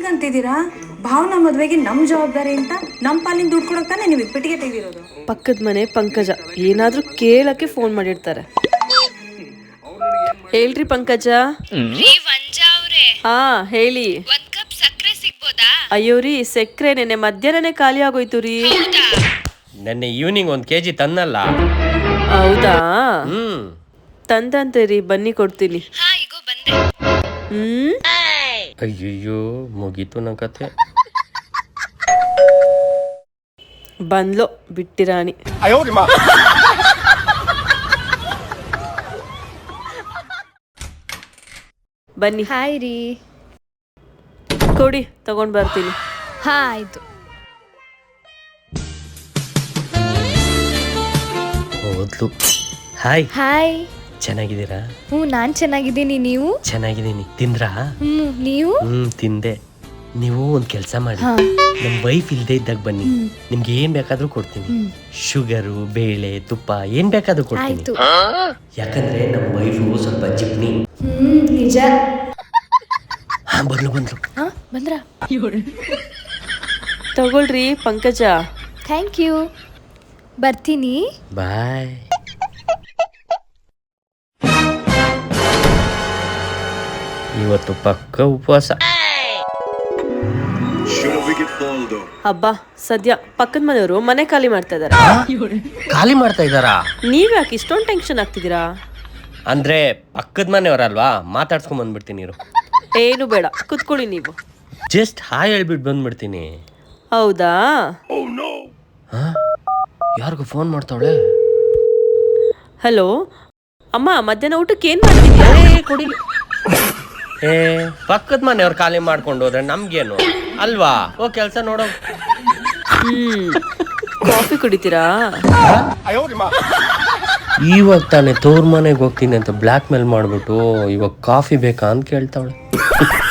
ಹೀಗಂತಿದ್ದೀರಾ? ಭಾವನಾ ಮದ್ವೆಗೆ ನಮ್ ಜವಾಬ್ದಾರಿ ಅಂತ ನಮ್ ಪಾಲಿನ ದುಡ್ಡು ಕೊಡಕ್ ತಾನೆ ನೀವು ಪೆಟ್ಟಿಗೆ ತೆಗೆದಿರೋದು. ಪಕ್ಕದ ಮನೆ ಪಂಕಜ ಏನಾದ್ರೂ ಕೇಳಕ್ಕೆ ಫೋನ್ ಮಾಡಿರ್ತಾರೆ. ಹೇಳ್ರಿ ಪಂಕಜ. ಹಾ ಹೇಳಿ. ಅಯ್ಯೋ ರೀ, ಸಕ್ಕರೆ ನೆನ್ನೆ ಮಧ್ಯಾಹ್ನನೇ ಖಾಲಿ ಆಗೋಯ್ತು ರೀ. ನೆನ್ನೆ ಈವ್ನಿಂಗ್ 1 kg ತನ್ನಲ್ಲ. ಹೌದಾ? ತಂದಂತೆ ರೀ, ಬನ್ನಿ ಕೊಡ್ತೀನಿ. ಅಯ್ಯಯ್ಯೋ, ಮುಗೀತು ನನ್ನ ಕತೆ. ಬಂದ್ಲೋ ಬಿಟ್ಟಿರಾಣಿ. ಬನ್ನಿ. ಹಾಯ್ ರೀ. ಕೊಡಿ, ತಗೊಂಡ್ ಬರ್ತೀನಿ. ಹಾ ಆಯ್ತು. ಹೋದ್ಲು. ಹಾಯ್. ಹಾಯ್. ಚೆನ್ನಾಗಿದ್ದೀರಾ? ನಾನ್ ಚೆನ್ನಾಗಿದ್ದೀನಿ, ನೀವು? ಚೆನ್ನಾಗಿದ್ದೀನಿ. ತಿಂದ್ರಾ? ನೀವು? ತಿಂದೆ. ನೀವು ಒಂದ್ ಕೆಲಸ ಮಾಡಿ, ನಮ್ ವೈಫ್ ಇಲ್ದೇ ಇದ್ದಾಗ ಬನ್ನಿ, ನಿಮ್ಗೆ ಏನ್ ಬೇಕಾದ್ರೂ ಕೊಡ್ತೀನಿ. ಶುಗರು, ಬೇಳೆ, ತುಪ್ಪ ಏನ್ ಬೇಕಾದ್ರೂ ಕೊಡ್ತೀನಿ. ಯಾಕಂದ್ರೆ ನಮ್ ವೈಫು ಸ್ವಲ್ಪ ಜಿಪ್ನಿ. ನಿಜ. ಬಂದ್ಲು ಬಂದ್ರ? ತಗೊಳ್ರಿ ಪಂಕಜ. Thank you. ಬರ್ತೀನಿ. ಬಾಯ್. ಇವತ್ತು ಪಕ್ಕ ಉಪವಾಸ. ಹಬ್ಬ ಸದ್ಯ ಪಕ್ಕದ ಮನೆಯವರು ಮನೆ ಖಾಲಿ ಮಾಡ್ತಾ ಇದಾರೆ. ಖಾಲಿ ಮಾಡ್ತಾ ಇದ್ದಾರಾ? ನೀವ್ ಯಾಕೆ ಇಷ್ಟೊಂದು ಟೆನ್ಷನ್ ಆಗ್ತಿದ್ದೀರಾ? ಅಂದ್ರೆ ಪಕ್ಕದ ಮನೆಯವರಲ್ವಾ, ಮಾತಾಡ್ಸ್ಕೊಂಡ್ ಬಂದ್ಬಿಡ್ತೀನಿ ಇರು. ಏನು ಬೇಡ, ಕುತ್ಕೊಳ್ಳಿ ನೀವು. ಜಸ್ಟ್ ಹಾಯ್ ಹೇಳ್ಬಿಟ್ಟು ಬಂದ್ಬಿಡ್ತೀನಿ. ಹೌದಾ? ಯಾರಿಗೂ ಫೋನ್ ಮಾಡ್ತಾವಳೆ. ಹಲೋ ಅಮ್ಮ, ಮಧ್ಯಾಹ್ನ ಊಟಕ್ಕೆ ಏನ್ ಮಾಡ್ತಿದ್ಯಾ? ಪಕ್ಕದ ಮನೆಯವ್ರು ಖಾಲಿ ಮಾಡ್ಕೊಂಡು ಹೋದ್ರೆ ನಮ್ಗೇನು ಅಲ್ವಾ? ಕೆಲ್ಸ ನೋಡೋ. ಕಾಫಿ ಕುಡಿತೀರಾ? ಇವಾಗ ತಾನೇ ತವ್ರ ಮನೆಗೆ ಹೋಗ್ತೀನಿ ಅಂತ ಬ್ಲ್ಯಾಕ್ ಮೇಲ್ ಮಾಡ್ಬಿಟ್ಟು ಇವಾಗ ಕಾಫಿ ಬೇಕಾ ಅಂತ ಕೇಳ್ತಾವಳೆ.